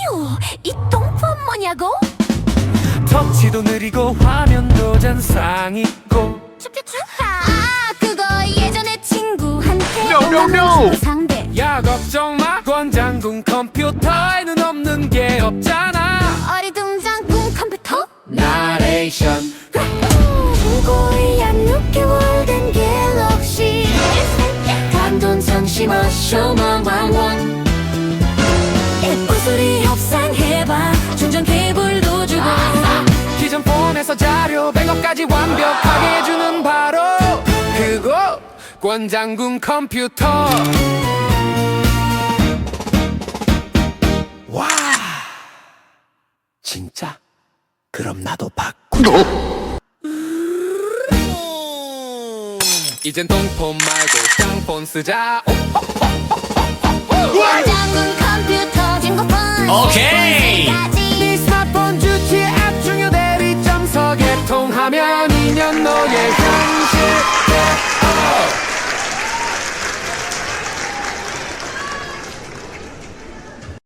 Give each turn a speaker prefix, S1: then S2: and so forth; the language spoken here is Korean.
S1: 휴, 이 똥폰 뭐냐고?
S2: 터치도 느리고 화면도 잔상 있고.
S1: 아, 그거 예전에 친구한테
S3: No, no, no.
S1: 상대.
S2: 야 걱정 마, 권장군 컴퓨터에는 없는 게 없잖아.
S1: 어리둥절군 컴퓨터?
S2: 나레이션.
S1: 무고이한 6개월 된 갤럭시 단돈 상심한 쇼만 왕원. 예쁜 소리 협상해봐. 충전 케이블도 주고.
S2: 기존 폰에서 자료 백업까지 완벽하게 해주는 바로 그거 권장군 컴퓨터. 와, 진짜? 그럼 나도 바꾸자. 이젠 똥폰 말고 짱폰 쓰자.
S1: 권장군 컴퓨터 진고폰.
S3: 오케이.
S2: 네 스마트폰 주치 앱 중요 대리점서 개통하면 2년 너의